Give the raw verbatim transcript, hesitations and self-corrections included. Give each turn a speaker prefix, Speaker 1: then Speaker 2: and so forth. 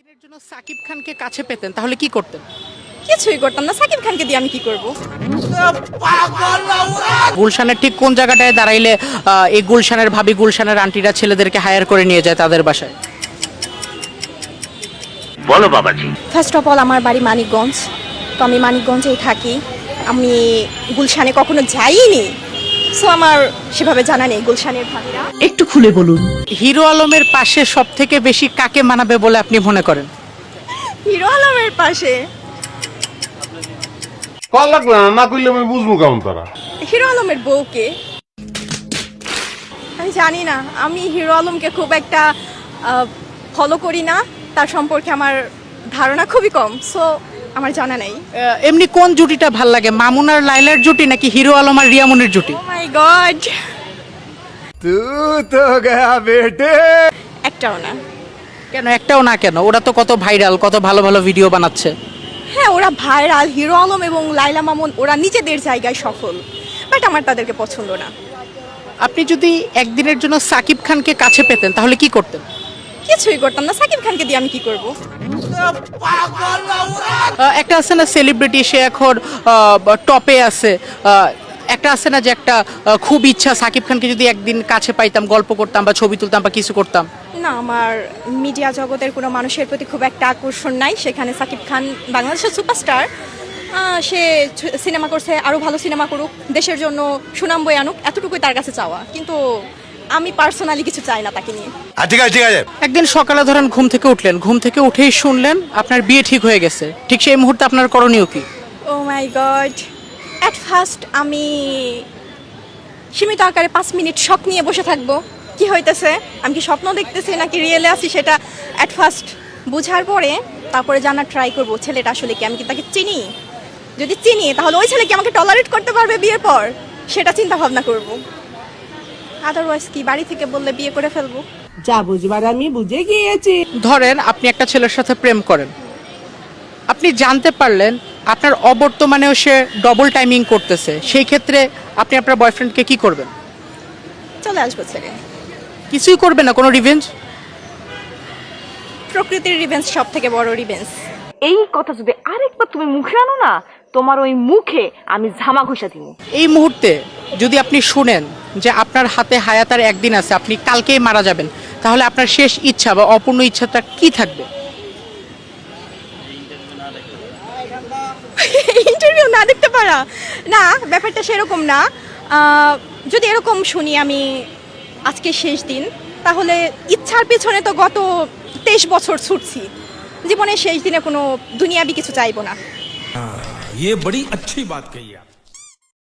Speaker 1: একদিনের জন্য সাকিব খানকে কাছে পেতেন তাহলে কি করতেন?
Speaker 2: কিছুই করতাম না। সাকিব খানকে দিয়ে আমি কি করব?
Speaker 1: গুলশানের ঠিক কোন জায়গাটায় দাঁড়াইলে আহ, এই গুলশানের ভাবি গুলশানের আন্টিরা ছেলেদেরকে হায়ার করে নিয়ে যায় তাদের বাসায়?
Speaker 3: বলো বাবাজি।
Speaker 2: ফার্স্ট অফ অল আমার বাড়ি মানিকগঞ্জ, তো আমি মানিকগঞ্জেই থাকি। আমি গুলশানে কখনো যাইনি, সো আমার সেভাবে জানা নেই গুলশানের ভাবিরা।
Speaker 4: একটু খুলে বলুন।
Speaker 1: হিরো আলমের পাশে সব থেকে বেশি কাকে মানাবে বলে আপনি মনে করেন?
Speaker 2: হিরো আলমের পাশে
Speaker 5: কল লাগবে না, না করলে আমি বুঝবো কেমন তারা।
Speaker 2: হিরো আলমের বউকে আমি জানি না। আমি হিরো আলমকে খুব একটা ফলো করি না, তার সম্পর্কে আমার ধারণা খুবই কম, সো আমার জানা নেই।
Speaker 1: আহ, এমনি কোন জুটিটা ভাল লাগে, মামুন আর লাইলার জুটি নাকি হিরো আলম আর রিয়ামনির জুটি?
Speaker 2: ও মাই গড,
Speaker 6: तू तो गया बेटे।
Speaker 2: একটাও না।
Speaker 1: কেন একটাও না কেন? ওরা তো কত ভাইরাল, কত ভালো ভালো ভিডিও বানাচ্ছে।
Speaker 2: হ্যাঁ, ওরা ভাইরাল। হিরো আলম এবং লাইলা মামুন ওরা নিজেদের জায়গায় সফল, বাট আমার তাদেরকে পছন্দ না।
Speaker 1: আপনি যদি একদিনের জন্য সাকিব খানকে কাছে পেতেন তাহলে কি করতেন?
Speaker 2: কিছুই করতাম না। সাকিব খানকে দিয়ে আমি কি করব?
Speaker 1: আহ, একটা আছে না সেলিব্রিটি, সে এখন টপে আছে। আহ, একটা আছে না যে একটা আহ, খুব ইচ্ছা সাকিব খানকে যদি একদিন কাছে পাইতাম, গল্প করতাম বা ছবি তুলতাম বা কিছু করতাম।
Speaker 2: না, আমার মিডিয়া জগতের কোনো মানুষের প্রতি খুব একটা আকর্ষণ নাই। সেখানে সাকিব খান বাংলাদেশের সুপারস্টার, সে সিনেমা করছে, আরও ভালো সিনেমা করুক, দেশের জন্য সুনাম বয়ে আনুক, এতটুকুই তার কাছে চাওয়া। কিন্তু আমি পার্সোনালি কিছু চাই না তাকে নিয়ে।
Speaker 6: ঠিক আছে ঠিক আছে।
Speaker 1: একদিন সকালে ধরেন ঘুম থেকে উঠলেন, ঘুম থেকে উঠেই শুনলেন আপনার বিয়ে ঠিক হয়ে গেছে, ঠিক সেই মুহূর্তে আপনার করণীয় কি?
Speaker 2: Oh my God, at first আমি সীমিত আকারে পাঁচ মিনিট শক নিয়ে বসে থাকবো, কি হইতেছে, আমি কি স্বপ্ন দেখতেছি নাকি রিয়েলে আছি, সেটা অ্যাট ফার্স্ট বুঝার পরে তারপরে জানার ট্রাই করবো ছেলেটা আসলে কি, আমি কি তাকে চিনি। যদি চিনি তাহলে ওই ছেলে কি আমাকে টলারেট করতে পারবে বিয়ের পর, সেটা চিন্তা ভাবনা করবো। আদারওয়াইজ কি বাড়ি থেকে বললে বিয়ে করে ফেলবো।
Speaker 4: যা বুঝবার আমি বুঝে গিয়েছি।
Speaker 1: ধরেন আপনি একটা ছেলের সাথে প্রেম করেন, আপনি জানতে পারলেন আপনার অবর্তমানেও সে ডবল টাইমিং করতেছে, সেই ক্ষেত্রে আপনি আপনার বয়ফ্রেন্ডকে কি করবেন?
Speaker 2: চলে আসবো ছেলে।
Speaker 1: কিছুই করবে না, কোনো রিভেঞ্জ?
Speaker 2: প্রকৃতির রিভেন্স সব থেকে বড় রিভেন্স।
Speaker 7: এই কথা যদি আরেকবার তুমি মুখে আনো না, তোমার ওই মুখে আমি ঝামা ঘষা দিব।
Speaker 1: এই মুহূর্তে যদি আপনি শুনেন যে আপনার হাতে হায়াতার একদিন আছে, আপনি কালকেই মারা যাবেন, তাহলে আপনার শেষ ইচ্ছা বা অপূর্ণ ইচ্ছাটা কি থাকবে?
Speaker 2: ইন্টারভিউ না দেখতে পারা? না, ব্যাপারটা সেরকম না। আহ, যদি এরকম শুনি আমি আজকে শেষ দিন, তাহলে ইচ্ছার পেছনে তো গত তেইশ বছর ছুটছি, জীবনের শেষ দিনে কোনো দুনিয়াবি কিছু চাইবো না।
Speaker 6: ये बड़ी अच्छी बात कही आप।